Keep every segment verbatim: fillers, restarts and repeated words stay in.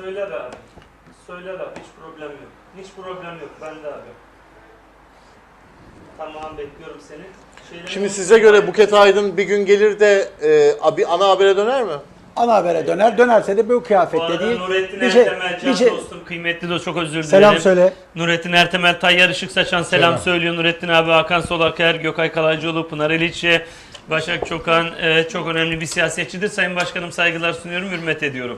Söyler abi. Söyler abi. Hiç problem yok. Hiç problem yok. Ben de abi. Tamam, bekliyorum seni. Şeyleri Şimdi size göre Buket Aydın bir gün gelir de e, bir ana habere döner mi? Ana habere döner. Dönerse de bu Bu kıyafette arada değil. Nurettin Bir şey, Ertemel, can bir şey. dostum, kıymetli dost, çok özür dilerim. Selam söyle. Nurettin Ertemel, Tayyar Işık Saçan selam, Selam. söylüyor. Nurettin abi, Hakan Solaker, Gökay Kalaycıoğlu, Pınar Eliçe, Başak Çokan e, çok önemli bir siyasetçidir. Sayın Başkanım, saygılar sunuyorum, hürmet ediyorum.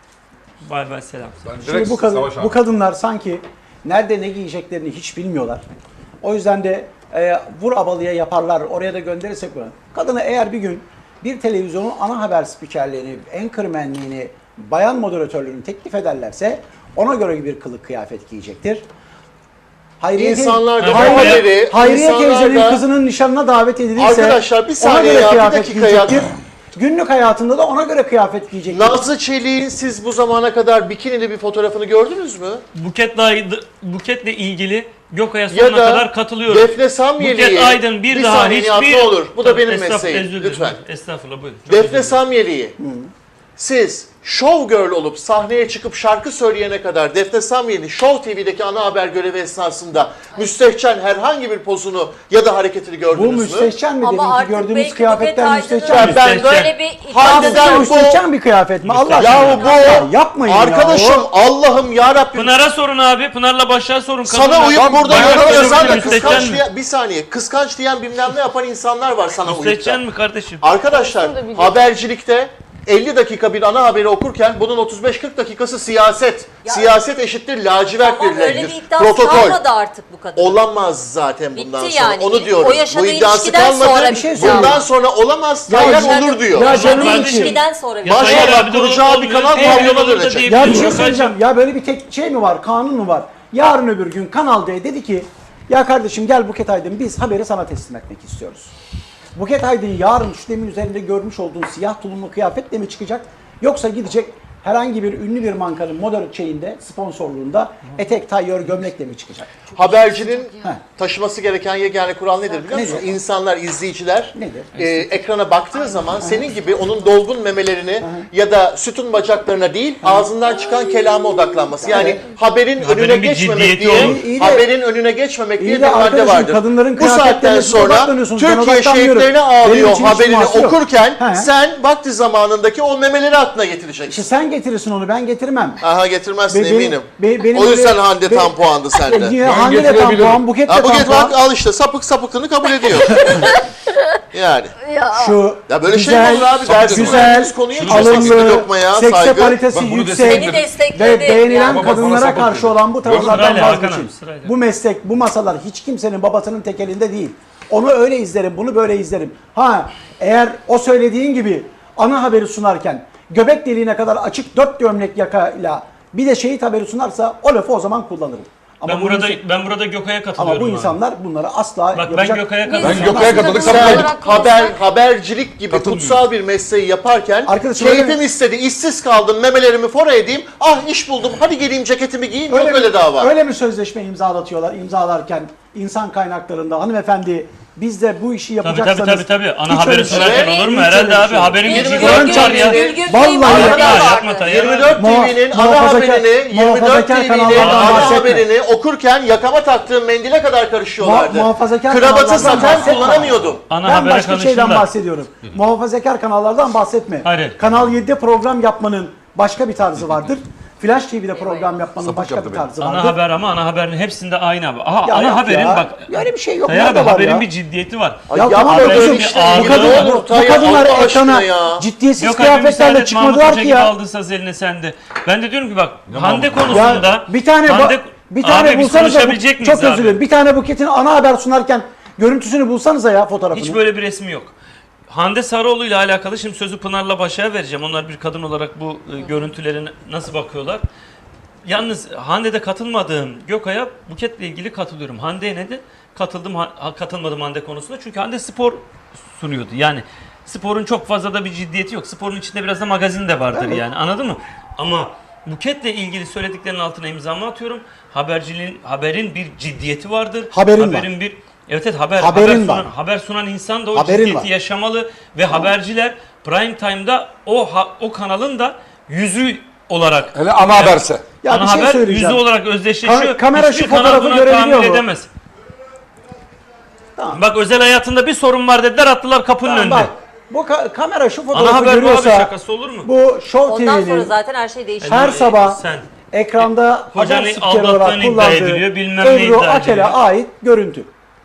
Bay bay, selam. Şimdi bu, kadın, bu kadınlar sanki nerede ne giyeceklerini hiç bilmiyorlar. O yüzden de e, vur abalıya yaparlar. Oraya da gönderirsek bunu. Kadını eğer bir gün bir televizyonun ana haber spikerliğini, anchormanliğini, bayan moderatörlüğünü teklif ederlerse ona göre bir kılık kıyafet giyecektir. Hayriye, İnsanlar da bu Hayriye, haberi, Hayriye insanlar teyzenin da- kızının nişanına davet edilirse Arkadaşlar, bir saniye ona göre ya, bir kıyafet dakika ya. giyecektir. Günlük hayatında da ona göre kıyafet giyecektir. Nazlı Çelik'in siz bu zamana kadar bikinili bir fotoğrafını gördünüz mü? Buketle, Buketle ilgili Gökay'a Ya sonuna da kadar katılıyorum. Defne Samyeli'ye Buket Aydın bir, bir daha saniye Nihat, hiçbir... ne olur, bu da Tabii, benim estağfurullah, mesleğim, özür dilerim. lütfen. Estağfurullah, buyurun. Çok Defne özür dilerim. Samyeli'yi siz show girl olup sahneye çıkıp şarkı söyleyene kadar Defne Samyeli Show T V'deki ana haber görevi esnasında müstehcen herhangi bir pozunu ya da hareketini Bu gördünüz mü? müstehcen mi? Ama Deminki artık gördüğümüz belki kıyafetler Buket Aydın'ın müstehcen mi? Ben- böyle bir Harbiden iddiası bu- Müstehcen bir kıyafet mi? Allah aşkına. Yahu bu yapmayın arkadaşım, ya. Allah'ım yarabbim. Pınar'a sorun abi. Pınar'la Başak'a sorun. Sana Kadınlar- uyup burada Bayağı yorum çok yazan da müstehcen kıskanç mi? diyen, bir saniye, kıskanç diyen bilmem ne yapan insanlar var sana uyup Müstehcen da. mi kardeşim? Arkadaşlar, habercilikte elli dakika bir ana haberi okurken bunun otuz beş kırk dakikası siyaset. Ya- siyaset eşittir lacivert Tamam, bir öyle bir renktir. iddiası Protokol. kalmadı artık bu kadın. Olamaz zaten bundan Bitti sonra. yani. Onu İlk- diyorum. o yaşadığı Bu iddiası ilişkiden kalmadı. sonra bir şey bitti. söyleyeyim. Bundan sonra olamaz. Ya Tayyar yaşadığı- olur diyor. Ya Yaşadığı canım kardeşim. ilişkiden sonra Ya bitti. Maşallah, Tayyar abi de kuracağı bir olmuyor. kanal Evet, pavyona olur da dönecek. diye Ya bir bir şey yok. söyleyeceğim. Ya böyle bir tek şey mi var? Kanun mu var? Yarın öbür gün Kanal D dedi ki ya kardeşim gel Buket Aydın biz haberi sana teslim etmek istiyoruz. Buket Aydın yarın şu demin üzerinde görmüş olduğun siyah tulumlu kıyafetle mi çıkacak? Yoksa gidecek herhangi bir ünlü bir markanın moda şeyinde, sponsorluğunda etek, tayyör, gömlekle mi çıkacak? Habercinin Heh. taşıması gereken yegane kural nedir biliyor musun? Nedir? İnsanlar, izleyiciler Nedir? e, ekrana baktığı zaman senin gibi onun dolgun memelerini ya da sütun bacaklarına değil ağzından çıkan kelama odaklanması. Yani Evet. haberin Haberin önüne bir geçmemek ciddiyeti diye, olur. İyi de- haberin önüne geçmemek İyi diye de bir madde arkadaşım, vardır. kadınların Bu saatten kıyafetlerine sonra odaklanıyorsunuz. Ben Türkiye odaklanmıyorum. şehitlerine Benim ağlıyor için hiç haberini teması yok. okurken He. sen vakti zamanındaki o memeleri aklına getireceksin. İşte sen getirirsin onu, ben getirmem. Aha, getirmezsin Be- benim- eminim. be- benim o yüzden öyle- Hande be- tam puandı sende. Yine Hande de tam puan, Buket de Ha, tam Buket puan. bak al işte sapık sapıklığını kabul ediyor. yani. Şu Ya böyle güzel, şey mi olur abi? Dersin güzel, verdiğiniz konuya hiç alımlı, lokmaya sekse saygı. paritesi Bak bunu yüksek destekledim. Beni destekledi. ve beğenilen Yani. Baba bana kadınlara sapık karşı dedi. olan bu tavırlardan Sırayla Hakan vazgeçin. abi, sırayla. Bu meslek, bu masalar hiç kimsenin babasının tek elinde değil. Onu öyle izlerim, bunu böyle izlerim. Ha, eğer o söylediğin gibi ana haberi sunarken göbek deliğine kadar açık dört gömlek yakayla bir de şehit haberi sunarsa o lafı o zaman kullanırım. Ama Ben bu burada insan- ben burada Gökay'a ama katılıyorum. bu abi. insanlar bunları asla Bak ben yapacak. Gökay'a Biz- katılıyorum. Ben Gökay'a katıldık, Kadın sapık. olarak Haber, konuşsak- habercilik gibi kutsal bir mesleği yaparken Arkadaşım öyle keyfim mi? istedi, işsiz kaldım, memelerimi fora edeyim, ah iş buldum, hadi geleyim ceketimi giyeyim, yok mi- öyle dava. Öyle mi sözleşme imzalatıyorlar? İmzalarken insan kaynaklarında hanımefendi biz de bu işi Tabii yapacaksanız... tabii tabii. Ana hiç haberi öyle şey- sunarken şey- olur mu? hiç öyle Herhalde bir abi şey. haberin Yirmi gücü dört var ya. Gülgün Vallahi Bey'in yapma, haberi yapma, vardı. Tayyar. yirmi dört Muha- T V'nin ana muhafazakar- haberini, yirmi dört muhafazakar T V'nin kanallardan ana bahsetme. haberini okurken yakama taktığım mendile kadar karışıyorlardı. Muha- muhafazakar Kravatı kanallardan saten bahsetme. kullanamıyordum. Ana Ben habere başka şeyden konuşsunlar. bahsediyorum. Muhafazakar kanallardan bahsetme. Hayır. Kanal yedide program yapmanın başka bir tarzı vardır. Flash T V'de program yapmanın Sapık başka yaptı bir beni. tarzı vardır. Ana haber ama ana haberin hepsinde aynı abi. Aha Ya ana yok haberin ya. bak. Öyle bir şey yok. Tayyar abi Nerede var haberin ya? bir ciddiyeti var. Ay Ya yapma tamam böyle kızım, işte. Aa, bu, bu kadın, Ne bu, olur bu Tayyar, kadınlar Allah aşkına ekrana ya. ciddiyetsiz Yok abi kıyafetlerle müsaade çıkmadılar Mahmut Hoca ki gibi ya. aldın saz eline sende. Ben de diyorum ki bak Hande konusunda Ya bir tane ba- Hande, bir tane abi biz bulsanıza bu, konuşabilecek miyiz çok özür abi? dilerim. Bir tane Buket'in ana haber sunarken görüntüsünü bulsanıza ya fotoğrafını. Hiç böyle bir resmi yok. Hande Sarıoğlu ile alakalı şimdi sözü Pınar'la Başak'a vereceğim. Onlar bir kadın olarak bu e, görüntülere nasıl bakıyorlar? Yalnız Hande'de katılmadığım Gökay'a Buket'le ilgili katılıyorum. Hande'ye neden katıldım, ha, katılmadım Hande konusunda? Çünkü Hande spor sunuyordu. Yani sporun çok fazla da bir ciddiyeti yok. Sporun içinde biraz da magazin de vardır yani. Anladın mı? Ama Buket'le ilgili söylediklerinin altına imzamı atıyorum. Haberciliğin, haberin bir ciddiyeti vardır. Haberin haberin var. bir Evet evet haber Haberin haber sunan, var. haber sunan insan da o Haberin ciddiyeti var. yaşamalı ve haberciler prime time'da o ha- o kanalın da yüzü olarak. Hele ana haberse. Ya ana bir şey haber söyleyeceğim. yüzde olarak özdeşleşiyor. Ka- kamera Hiçbir şu kanal fotoğrafı buna görebiliyor tahammül mu? edemez. Tamam. Bak özel hayatında bir sorun var dediler, attılar kapının Tamam, önünde. bak, bu ka- kamera şu Ana fotoğrafı haber bu abi, görüyorsa şakası olur mu? bu Show Ondan sonra T V'nin zaten her şey değişiyor. her Ee, sabah sen ekranda hocanı haber spikeri olarak aldattığını iddia kullandığı ediliyor, bilmem ne Ebru iddia Akel'e ediliyor. ait görüntü.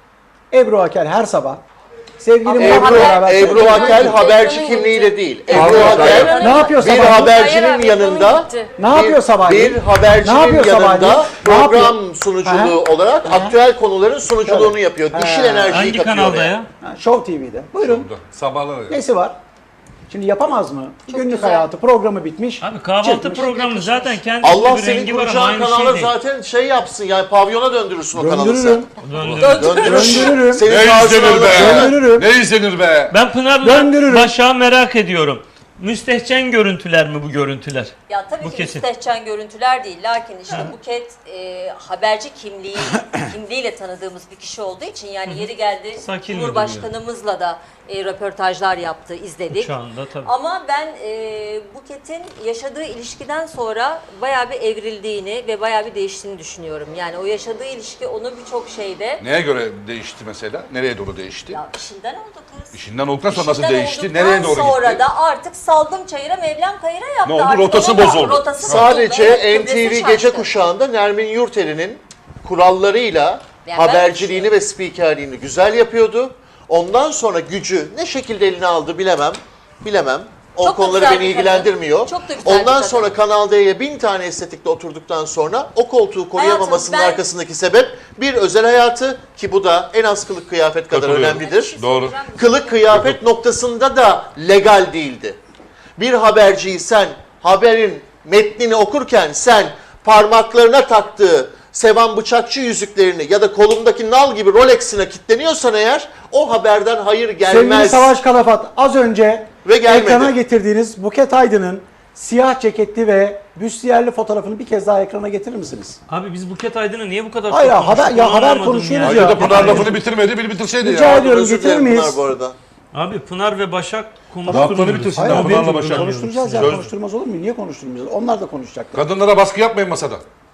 Ebru Akel her sabah sevgili Ama Murat'la Ebru, beraber Ebru Akel Ekranın haberci gitti. kimliğiyle değil. Pardon, Ebru Akel hayır. Ne yapıyor bir sabah? habercinin Hayır abi, yanında ekranın gitti. Ne yapıyor sabahleyin? Bir habercinin Ne yapıyor sabahleyin? yanında Ne yapıyor? program sunuculuğu Aha. olarak Aha. aktüel konuların sunuculuğunu Şöyle. yapıyor. Ha. Dişil enerjiyi Hangi katıyor kanalda oraya. ya? Ha, Show T V'de. Buyurun. Sabahları. Nesi var? Şimdi yapamaz mı? Günlük güzel. hayatı programı bitmiş. Abi kahvaltı çıkmış. programı zaten kendi Allah bir senin rengi var ama kuracağın aynı kanala şey değil. zaten şey yapsın yani pavyona döndürürsün o kanalı sen. Döndürürüm. Döndürün. Döndürürüm. Senin Ne tarzını izlenir be? anlatıyor. Döndürürüm. Ne izlenir be? Ben Pınar'la Döndürürüm. Başak'ı merak ediyorum. Müstehcen görüntüler mi bu görüntüler? Ya tabii Bu ki kesin. müstehcen görüntüler değil. Lakin işte Buket e, haberci kimliği kimliğiyle tanıdığımız bir kişi olduğu için yani yeri geldi Sakin mi Cumhurbaşkanımızla da e, röportajlar yaptı, izledik. Uçağında tabii. Ama ben e, Buket'in yaşadığı ilişkiden sonra bayağı bir evrildiğini ve bayağı bir değiştiğini düşünüyorum. Yani o yaşadığı ilişki onu birçok şeyde Neye göre değişti mesela? Nereye doğru değişti? ya işinden oldu kız. İşinden olduktan sonra nasıl İşinden değişti? olduktan Nereye doğru sonra gitti? da artık saldım çayıra Mevlam kayıra yaptı. Ne oldu? Artık Rotası onun da bozuldu. Rotası Sadece bozuldu. Evet, N kıbrısı T V şaştı. gece kuşağında Nermin Yurteli'nin kurallarıyla ben şey haberciliğini ve spikerliğini güzel yapıyordu. Ondan sonra gücü ne şekilde eline aldı bilemem. Bilemem. O Çok da konuları güzel beni bir kadın. ilgilendirmiyor. Çok da güzel bir Ondan kadın. sonra Kanal D'ye bin tane estetikle oturduktan sonra o koltuğu koruyamamasının Hayatım, ben- arkasındaki sebep bir özel hayatı ki bu da en az kılık kıyafet kadar Katılıyorum. önemlidir. Doğru. Kılık kıyafet noktasında da legal değildi. Bir haberciyi sen haberin metnini okurken sen parmaklarına taktığı Sevan Bıçakçı yüzüklerini ya da kolundaki nal gibi Rolex'ine kilitleniyorsan eğer o haberden hayır Sevgili gelmez. Savaş Kalafat az önce Ve gelmedi. ekrana getirdiğiniz Buket Aydın'ın siyah ceketli ve büstiyerli fotoğrafını bir kez daha ekrana getirir misiniz? Abi biz Buket Aydın'ı niye bu kadar Hayır, çok haber- konuştuk, ya onu haber anlamadım konuşuyoruz Ayrıca ya. da Pınar lafını bitirmedi, bir bitirseydi Rica ya. ediyorum, Özür getirir dilerim miyiz? Pınar bu arada. Abi Pınar ve Başak Lafları konuşturmuyoruz. bitirsin Hayır, ya, abi, Pınar'la Başak. konuşturacağız ya, Söz- konuşturmaz olur mu? Niye konuşturmayacağız? Onlar da konuşacaklar. Kadınlara baskı yapmayın masada.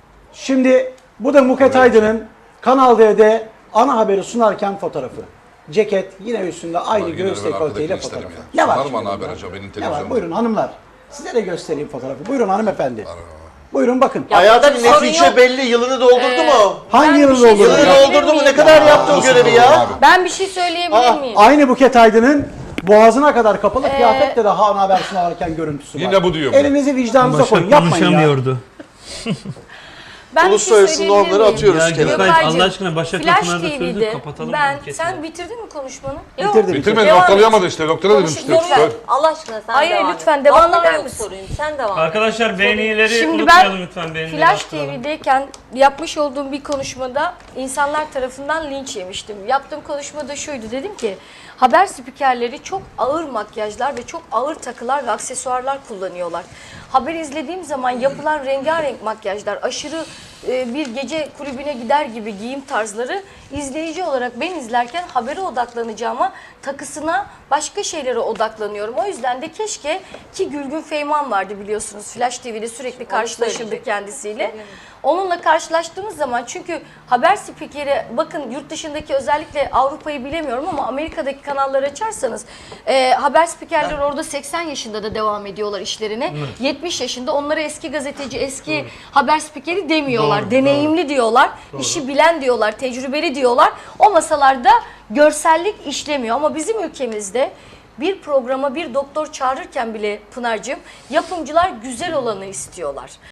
Şimdi bu da Buket Aydın'ın Kanal D'de ana haberi sunarken fotoğrafı. Ceket yine üstünde aynı Bak, yine göğüs de ben dekolteyle arkadakini isterim fotoğrafı. ya. Ne var? Sunar mı şimdi ana haber bunda? acaba benim Ne var? televizyonda? Buyurun hanımlar. Size de göstereyim fotoğrafı. Buyurun hanımefendi. Buyurun bakın. Ya Hayatım burada bir sorun netice yok. belli. Yılını doldurdu mu? Hangi ben yılda bir şey oldu? Yılını söyleyeyim. doldurdu mu? Ne miyim? kadar yaptı o Nasıl görevi doğru ya? abi? Ben bir şey söyleyebilir Aa, miyim? Aynı Buket Aydın'ın boğazına kadar kapalı kıyafetle de ana haber sunarken görüntüsü var. Yine bu diyor bu. Elinizi vicdanınıza koyun. Başak Yapmayın ya. konuşamıyordu. Ben bir Uluslararası şey söyleyebilir normları miyim? atıyoruz Ya kenara. Gökay Gökaycığım, Allah aşkına Başak'la Flash Pınar'da T sözü V'de kapatalım. ben, kesin. sen bitirdin mi konuşmanı? Yok. Bitirdim. Bitirmedi, Devam noktalayamadı işte. Noktada dedim Konuş, işte. sorun Söyle. yok. Allah aşkına sen Hayır, devam lütfen et. devam Vallahi eder yok misin? sorun. Sen devam et. Arkadaşlar beğenileri Şimdi unutmayalım ben lütfen. Beğenileri Flash arttıralım. T V'deyken yapmış olduğum bir konuşmada insanlar tarafından linç yemiştim. Yaptığım konuşmada şuydu, dedim ki haber spikerleri çok ağır makyajlar ve çok ağır takılar ve aksesuarlar kullanıyorlar. Haber izlediğim zaman yapılan rengarenk makyajlar, aşırı e, bir gece kulübüne gider gibi giyim tarzları izleyici olarak ben izlerken habere odaklanacağıma takısına, başka şeylere odaklanıyorum. O yüzden de keşke, ki Gülgün Feyman vardı biliyorsunuz, Flash T V'de sürekli karşılaşırdık söyleyecek. kendisiyle. Onunla karşılaştığımız zaman, çünkü haber spikeri, bakın yurt dışındaki, özellikle Avrupa'yı bilemiyorum ama Amerika'daki kanalları açarsanız e, haber spikerleri orada seksen yaşında da devam ediyorlar işlerine. yetmiş yaşında, onlara eski gazeteci, eski haber spikeri demiyorlar. Doğru, Deneyimli diyorlar, işi bilen diyorlar, tecrübeli diyorlar. O masalarda görsellik işlemiyor ama bizim ülkemizde bir programa bir doktor çağırırken bile Pınar'cığım, yapımcılar güzel olanı istiyorlar.